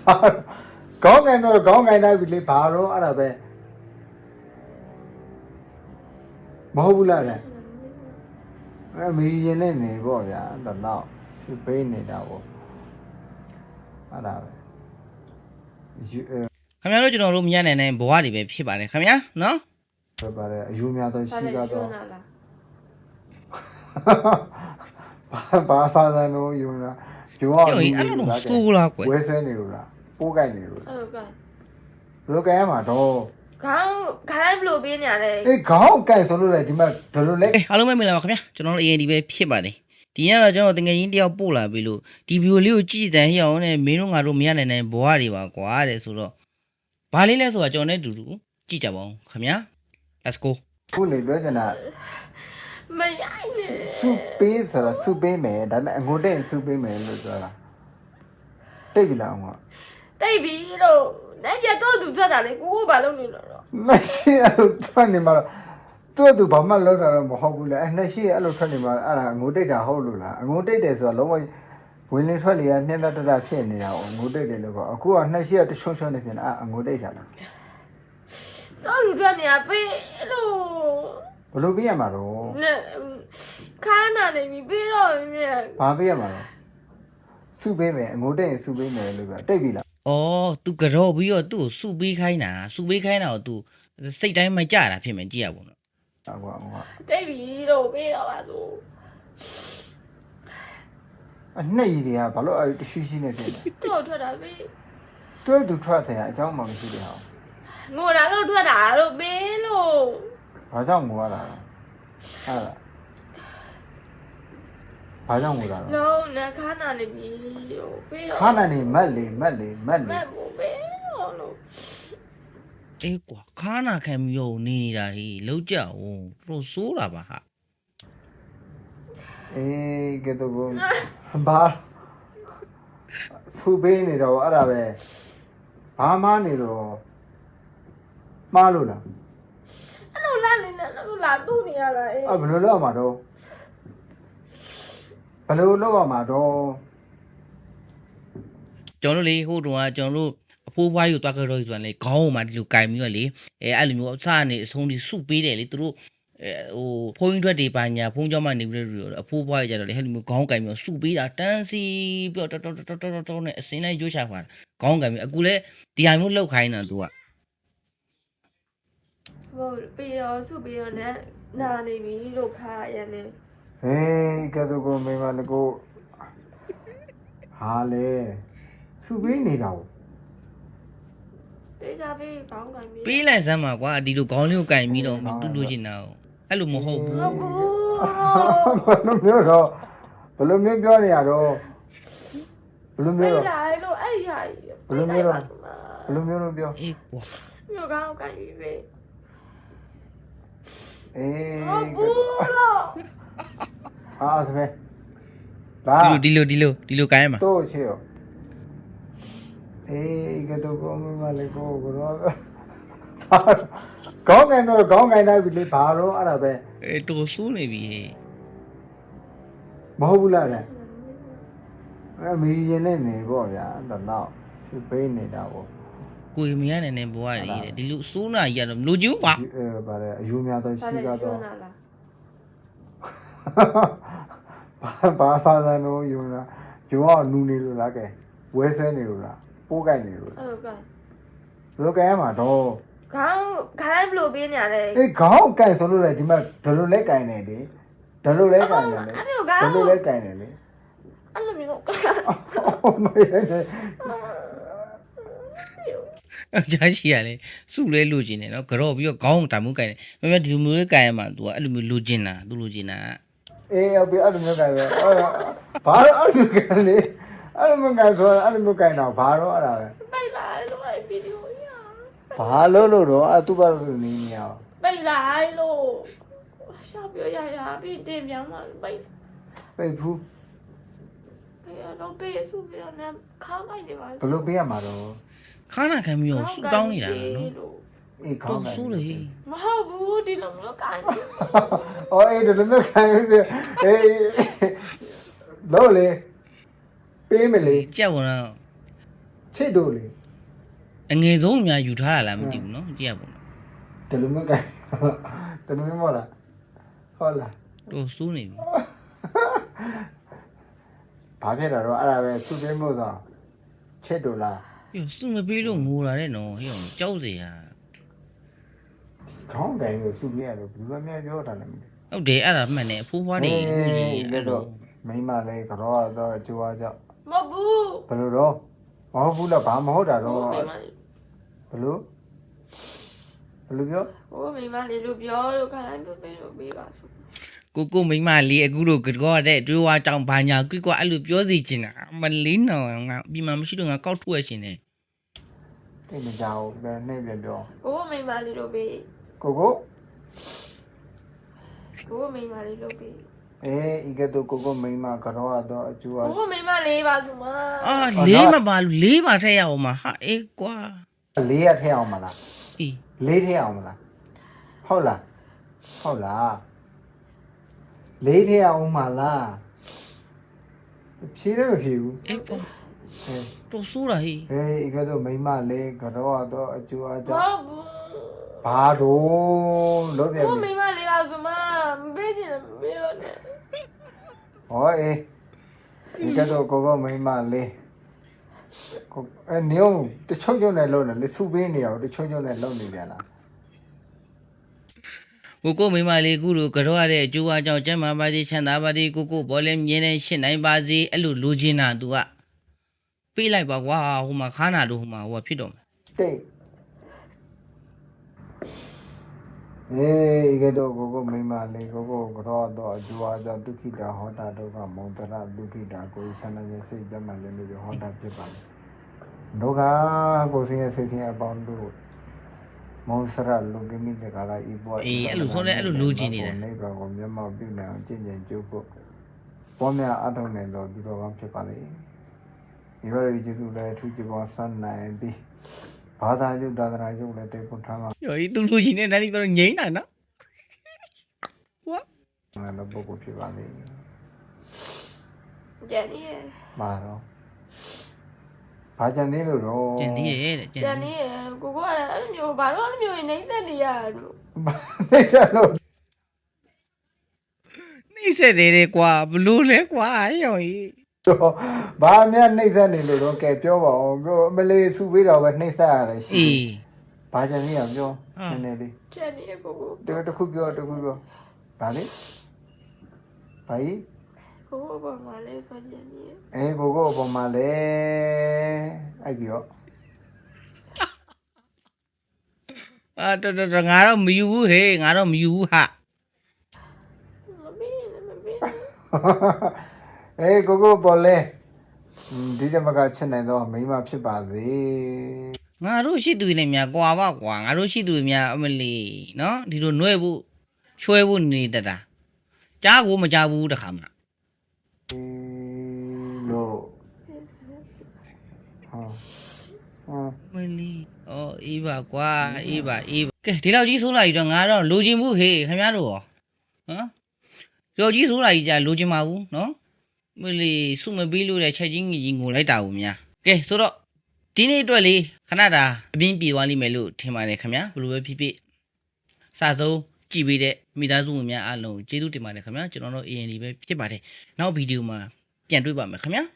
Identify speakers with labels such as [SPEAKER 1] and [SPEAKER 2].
[SPEAKER 1] ခေါင်းငိုင်းတော့ခေါင်းငိုင်းတိုင်းပြီလေဘာတော့အဲ့ဒါပဲမဟုတ်ဘူးလားလဲအဲ့မီရင်နဲ့နေပေါ့ဗျာတော့တော့သူပေးနေတာပေါ့အဲ့ဒါပဲ
[SPEAKER 2] ခင်ဗျားတို့ကျွန်တော်တို့မရနိုင်ဘဝတွေပဲဖြစ်ပါတယ်ခင်ဗျာနော်
[SPEAKER 1] ဆိုပါတယ်အယူများတော့ရှိကတော့ဘာသာလို့ယူလာယူအောင်ယူလာ
[SPEAKER 2] ဆိုးလားကွယ်
[SPEAKER 1] ဝဲဆွဲနေလို့လားပိုးကြိုက်နေလို့
[SPEAKER 3] ဟုတ်ကဲ့
[SPEAKER 1] ဘယ်လိုကြိုက်ရမှာတော့
[SPEAKER 3] ခေါင်းဘယ်လိုပေးနေရလဲ
[SPEAKER 1] အေးခေါင်းကြိုက်ဆိုလို့လေဒီမှာဘယ်လိုလဲ
[SPEAKER 2] အားလုံးပဲမင်္ဂလာပါခင်ဗျာကျွန်တော်တို့ AND ပဲဖြစ်ပါတယ်ဒီနေ့တော့ကျွန်တော်တကယ်ချင်းတယောက်ပို့လာပြီလို့ဒီဗီဒီယိုလေးကိုကြည့်တဲ့ဟိအောင်နဲ့မင်းတို့ငါတို့မရနိုင်ဘဝတွေပါကွာတဲ့ဆိုတော့ဘာလေးလဲဆိုတာကျွန်တော်နဲ့တူတူကြည့်ကြပါဦးခင်ဗျာ let's go
[SPEAKER 1] ခုလေပြောချင်တာ
[SPEAKER 3] မရိုက်နဲ့
[SPEAKER 1] စုပေးဆိုတော့စုပေးမယ်ဒါပေမဲ့အငိုတိတ်စုပေးမယ်လို့ပြောတာတိတ်ပြီလားအောင်က
[SPEAKER 3] တိတ်ပြီလို့နိုင်ကြတော့သူထွက်တာလေကိုဘာလုပ်နေလို့တော့
[SPEAKER 1] မရှိအဲ့လိုထွက်နေမှာတော့သူဘာမှလောက်တာတော့မဟုတ်ဘူးလေအဲ့နှစ်ရှိအဲ့လိုထွက်နေမှာအဲ့ဒါငိုတိတ်တာဟုတ်လို့လားအငိုတိတ်တယ်ဆိုတော့လုံးဝဝင်လင်းထွက်လေကနှက်တဖြစ်နေတာ哦ငိုတိတ်တယ်လို့ပေါ့အခုကနှစ်ရှိကတချုံချုံနေဖြစ်နေအငိုတိတ်တာလား
[SPEAKER 3] တော့လူထွက်နေတာပေးလို့
[SPEAKER 1] ဘယ်လိုပေးရမှာတော့
[SPEAKER 3] ခါနာနေပြီပေးတော့မြဲ
[SPEAKER 1] ဘာပေးရမှာလဲစုပေးမယ်အငိုတိတ်ရင်စုပေးမယ်လို့ပြောတိတ်ပြီလား
[SPEAKER 2] အော် तू ကြော်ပြီးတော့သူ့ကိုစုပေးခိုင်းတာကို तू စိတ်တိုင်းမကြတာဖြစ်မယ်ကြည့်ရပါဦးနော်
[SPEAKER 3] တိတ်ပြီလို့ပေးတော့ပါဆို
[SPEAKER 1] အနှစ်ကြီးတွေကဘာလို့တရှိရှိနေဖြစ်လဲ
[SPEAKER 3] တော့ထွက်တာပေး
[SPEAKER 1] တွဲသူထွက်တယ်အเจ้าမှမရှိတယ်ဟော
[SPEAKER 3] ငိုတာလို့ထွက်တာလို့ပေးလို့
[SPEAKER 1] ဘာကြောင့်ငိုရတာလဲအဲ့ဒါဘာကြောင့်ငိုတာလဲ
[SPEAKER 3] လုံးနဲ့ခါနာနေပြီလို့ပေးတော့
[SPEAKER 1] ခါနာနေမက်လေ
[SPEAKER 3] မက်ဖို့ပေးတော့လို့
[SPEAKER 2] အေးကွာခါနာခံပြီးတော့နေနေတာဟေးလောက်ကြအောင်တို့စိုးတာပါဟာ
[SPEAKER 1] အေးကဲတော့ဘာဖူပေးနေတော့အဲ့ဒါပဲဘာမှနေတော့မှားလို့လား
[SPEAKER 3] အဲ့လိုလာနေတယ်လို့လာတူးနေရတာအေး
[SPEAKER 1] ဘယ်လိုလုပ်ရမှာတော့ဘယ်လိုလုပ်ရမှာတော့
[SPEAKER 2] ကျွန်တော်လေဟိုတုန်းကကျွန်တော်တို့အဖိုးဘွားကြီးကိုတွားကြတော့ဆိုတာလေခေါင်းပေါ်မှာဒီလိုကင်ပြီးတော့လေအဲ့လိုမျိုးအစကနေအဆုံးထိစုပေးတယ်လေသူတို့ဟိုဖုန်းထွက်တွေပါညာဖုန်းကြောင်းမှနေပြီးတော့အဖိုးဘွားကြီးကြတော့လေဟဲ့လိုမျိုးခေါင်းကင်ပြီးတော့စုပေးတာတန်းစီပြီးတော့တော်နဲ့အစင်းလိုက်ရွှေ့ချပါခေါင်းကင်ပြီးအခုလဲဒီဟာမျိုးလောက်ခိုင်းတာသူက
[SPEAKER 3] ဟိုပြီးတော့စုပြီးတော့နဲ့နာနေပြီလို့ခါရနေ
[SPEAKER 1] ဟေးကဲတော့ကိုမိမလည်းကိုဟာလေစုပေးနေတာကို
[SPEAKER 3] ပေးကြပေးခေါင်းကင်ပြီး
[SPEAKER 2] ပေးလိုက်စမ်းပါကွာဒီလိုခေါင်းလေးကိုကင်ပြီးတော့သူ့လိုချင်တာအဲ့လိုမဟုတ်ဘူး
[SPEAKER 1] ဘယ်လိုမျိုးတော့ဘယ်လိုမျိုးပြောနေရတော့ဘယ်လိုမျိုးတော့
[SPEAKER 3] လိုက်လို့အဲ့ရ
[SPEAKER 1] ဘယ်လိုမျိုးတော့ဘယ်လိုမျိုးတော့ပြော
[SPEAKER 2] အေးကွာ
[SPEAKER 3] မျိုးခေါင်းကင်ပြီးပဲ
[SPEAKER 1] အေးဟာစမဲ
[SPEAKER 2] ဒီလိုကိုင်းမှာ
[SPEAKER 1] တော့ချေရောအေးကတော့ကောမလေးကိုကတော့ခေါင်းငိုင်းတော့ခေါင်းငိုင်းတိုင်းပြီလေဘာတော့အဲ့ဒါပဲ
[SPEAKER 2] တော်ဆိုးနေပြီ
[SPEAKER 1] မဟုတ်ဘူးလားလဲမီရင်နဲ့နေပေါ့ဗျာတော့သူပေးနေတာပေါ့
[SPEAKER 2] ကိုမရနိုင်ဘဝတွေတဲ့ဒီလိုစိုးနာကြီးကတော့မလို့ကျူးကွာ
[SPEAKER 1] ပါတယ်အယူများတော့ရှိကတော့ဘာသာလို့ယူလာယူအောင်နူနေလို့လားကဲဝဲဆွဲနေလို့လားပိုးကြိုက်နေလို့
[SPEAKER 3] ဟုတ်ကဲ့
[SPEAKER 1] ဘယ်လိုကြိုက်ရမှာတော့
[SPEAKER 3] ခေါင်းဘယ်လိုပေးနေရလဲ
[SPEAKER 1] အေးခေါင်းကြိုက်ဆိုလို့လေဒီမှာဒလိုလဲကြိုက်နေလေဒလိုလဲကြိုက်နေလေဒလိုလဲကြိုက်နေလေ
[SPEAKER 3] အဲ့လိုမျိုး
[SPEAKER 1] မရနဲ့
[SPEAKER 2] ကြားရှိရလေစုလဲလိုချင်တယ်နော်ကြော့ပြီးတော့ခေါင်းတာမှုကိုင်တယ်မမဒီလိုမျိုးလေးကိုင်ရမှာ तू အဲ့လိုမျိုးလိုချင်တာ तू လိုချင်တာ
[SPEAKER 1] အေးဟုတ်ပြီအဲ့လိုမျိုးကိုင်ပဲဘာလို့အဲ့လိုကိုင်လဲအဲ့လိုမျိုးကိုင်ဆိုအဲ့လိုမျိုးကိုင်တော့ဘာတော့အဲ့ဒါပဲ
[SPEAKER 3] ပိတ်လိုက်လို့အဲ့ဗီဒီယိုရ
[SPEAKER 1] ဘာလို့တော့အဲ့သူ့ဘာလို့နေနေရအောင်
[SPEAKER 3] ပိတ်လိုက်လို့ရှာပြောရတာပြီးတင်ပြောင်းမှပိတ်
[SPEAKER 1] ဘူး
[SPEAKER 3] ပေးတော့ပေးစုပြီးတော့လည်းခါလိုက်နေပါ
[SPEAKER 1] ဘယ်လိုပေးရမှာတော့
[SPEAKER 2] ခါနာခံပြီးတော့ဆူတောင်းနေတာနော်
[SPEAKER 1] အေးခေါင်း
[SPEAKER 2] ဆိုးလေ
[SPEAKER 3] မဟုတ်ဘူးဒီလိုမျိုးကိုင်း
[SPEAKER 1] အော်အေးဒီလိုမျိုးကိုင်းအေးလို့လေပေးမလေ
[SPEAKER 2] ကြောက်တော့
[SPEAKER 1] ချစ်တို့လေ
[SPEAKER 2] အငယ်ဆုံးအများယူထားတာလားမသိဘူးနော်ကြည့်ရပါဦး
[SPEAKER 1] တယ်လို့မကဲတယ်လို့မဟုတ်လားဟုတ်လား
[SPEAKER 2] တော်စိုးနေပြီ
[SPEAKER 1] ဘာဖြစ်တာတော့အဲ့ဒါပဲသူ့ပေးမို့ဆိုချစ်တို့လား
[SPEAKER 2] ပြစုမပေးလို့ငိုတာတဲ့နော်ဟဲ့အောင်ကြောက်စရာ
[SPEAKER 1] ခေါင်းတိုင်းကိုစုပြရလို့ဘယ်လိုမှပြောတာလဲမသိ
[SPEAKER 2] ဟုတ်တယ်အဲ့ဒါမှန်တယ်အဖိုးဖွားနေအခုကြီးအဲ့လို
[SPEAKER 1] မိမလေးကတော့တော့အကျိုးအကြောင်း
[SPEAKER 3] မဟုတ်ဘူး
[SPEAKER 1] ဘယ်လိုတော့မဟုတ်ဘူးလားဘာမဟုတ်တာ
[SPEAKER 3] ဟို
[SPEAKER 1] တော့
[SPEAKER 3] မိမလေး
[SPEAKER 1] ဘယ်လိုပြော
[SPEAKER 3] ဟိုမိမလေးလို့ပြောလို့ခါတိုင်းပြောပေးလို့ပေးပါဆို
[SPEAKER 2] ကိုမိမလေးအခုတို့ကတော့တဲ့တွေးဝါကြောင်ဘာညာကွကွအဲ့လိုပြောစီချင်တာမလေးနော်ငါပြီးမှမရှိတော့ငါကောက်ထုတ်ရရှင်တယ်
[SPEAKER 1] တိတ်မကြောက်ဘူးနဲ့ပြန်ပြော
[SPEAKER 3] ဟိုမိမလေးလို့ပေး
[SPEAKER 1] ကို
[SPEAKER 3] ဟိုမိမလေးလို့ပေး
[SPEAKER 1] ဤကဲ့သို့ကိုမိမကတော့တော့အကျိုးအ
[SPEAKER 3] ဟိုမိမလေးပါဆိုမ
[SPEAKER 2] အာလေးမပါလို့လေးပါထည့်ရအောင်မဟာအေးကွာ
[SPEAKER 1] လေးရထည့်အောင်မလား
[SPEAKER 2] အေး
[SPEAKER 1] လေးထည့်အောင်မလားဟုတ်လားလေးထည့်အောင်မလားဖြေးတယ်မဖြေးဘူး
[SPEAKER 2] အေးကွာ
[SPEAKER 1] ဟဲ့
[SPEAKER 2] တော်ဆိုးတာဟေး
[SPEAKER 1] ဤကဲ့သို့မိမလေးကတော့တော့အကျိုးအ
[SPEAKER 3] မ
[SPEAKER 1] ကြော
[SPEAKER 3] ဟု
[SPEAKER 1] င်း
[SPEAKER 3] တ်ဘူး
[SPEAKER 1] ဘာတော့လို့ပြန်
[SPEAKER 3] ဟို
[SPEAKER 1] ပြီ
[SPEAKER 3] မိမလေးပါဆိုမမပေးချင်တယ်မပေးတော့နဲ့
[SPEAKER 1] ဟောဤကဲ့သို့ကိုမိမလေးကိုနေအောင်တချို့နဲ့လုံးတယ်လေစုပေးနေအောင်တချို့နဲ့လုံးနေပြန်လား
[SPEAKER 2] ကိုမိမလေးအခုတို့ကတော့ရတဲ့အကျိုးအကြောင်းကျမ်းမာပါစေချမ်းသာပါစေကိုဘောလဲမြင်းနဲ့ရှင်းနိုင်ပါစေအဲ့လိုလိုချင်တာ तू ကပေးလိုက်ပါကွာဟိုမှာခါနာတို့ဟိုမှာဟိုဖြစ်တော့မယ်
[SPEAKER 1] တိတ်ဤကဲ့သို့ကိုမိမလေးကိုကတော့တော့အကျိုးအကြောင်းဒုက္ခိတာဟောတာဒုက္ခမောတရဒုက္ခိတာကိုဆန္ဒရဲ့စိတ်ကြမ်းမှလည်းလို့ဟောတာဖြစ်ပါလေဒုက္ခကိုဆင်းရဲစိတ်ဆင်းရဲအပေါင်းတို့မောစရလူကိမိတကလာဤဘော
[SPEAKER 2] အေးအဲ့လိုဆိုလဲအဲ့လိုလိုချင်နေတယ်
[SPEAKER 1] နိဗ္ဗာန်ကိုမျက်မှောက်ပြုနိုင်အောင်ကျင့်ကြံကြိုးဖို့ပေါ်များအထောက်နိုင်တော်ဒီတော်ကောင်းဖြစ်ပါလေဒီဘက်ရဲ့ကျေးဇူးလည်းအထူးကျေးဇူးဆန်းနိုင်ပြီးဘာသာကျုသာသနာကျုလည်းတေဖို့ထားမှာ
[SPEAKER 2] ရောဒီသူလိုချင်တဲ့တိုင်းတော့ငိမ့်တာနော်ကွာ
[SPEAKER 1] လည်းပုဂ္ဂိုလ်ဖြစ်ပါလေ
[SPEAKER 3] ကျန်နေရ
[SPEAKER 1] မှာတော့ဘာကြံသေးလို့တော့
[SPEAKER 2] ကျန်သေးတယ်တဲ့
[SPEAKER 3] ကျန်နေရကိုကလည်းအဲ့လိုမျိုးဘာလို့အဲ့လိုမျိုးနေစက်နေရလို့
[SPEAKER 1] နေစားလို့
[SPEAKER 2] နှိမ့်ဆက်တယ်ကွာဘလို့လဲကွာရောင်ကြီး
[SPEAKER 1] တော့ဘာများနှိမ့်ဆက်နေလို့တော့ကဲပြောပါအောင်ပြောအမလေးစုပေးတော့ပဲနှိမ့်ဆက်ရတယ်ရှိ
[SPEAKER 2] အေး
[SPEAKER 1] ဘာကြံသေးရပြောနည်းနည်းလေး
[SPEAKER 3] ကျန်နေရကို
[SPEAKER 1] တခုပြောဘာလဲဘာကြီး
[SPEAKER 3] ကိုဘာမှလည်းဆိုကျန်နေရ
[SPEAKER 1] ကိုအပေါ်မှာလဲအဲ့ပြီးတော့
[SPEAKER 2] အာတော်ငါတော့မယူဘူးဟေးငါတော့မယူဘူးဟာ
[SPEAKER 3] မပေးမပေး
[SPEAKER 1] ကိုပေါ်လဲဒီတမကချက်နိုင်တော့မိမဖြစ်ပါစေ
[SPEAKER 2] ငါတို့ရှိသူတွေနဲ့များကွာပါကွာငါတို့ရှိသူတွေများအမလီနော်ဒီလိုနှွဲဖို့ချွဲဖို့နေတတ်တာကြားကိုမကြားဘူးတခါမှ
[SPEAKER 1] လို့ဟာ
[SPEAKER 2] မလီအော်အေးပါကွာအေးပါကဲဒီလောက်ကြီးဆိုးလာပြီတော့ငါတော့လိုချင်ဘူးဟေးခင်ဗျားတို့ရောဟမ်ဒီလောက်ကြီးဆိုးလာကြီးကြာလိုချင်ပါဘူးနော်မလီစုမပေးလို့တဲ့ချက်ချင်းကြီးငိုလိုက်တာဘူးများကဲဆိုတော့ဒီနေ့အတွက်လေခဏတာအပြင်းပြေသွားလိမ့်မယ်လို့ထင်ပါတယ်ခင်ဗျာဘယ်လိုပဲဖြစ်ဖြစ်စာဆုံးကြည့်ပေးတဲ့မိသားစုဝင်များအားလုံးကျေးဇူးတင်ပါတယ်ခင်ဗျာကျွန်တော်တို့ AND ပဲဖြစ်ပါတယ်နောက်ဗီဒီယိုမှာပြန်တွေ့ပါမယ်ခင်ဗျာ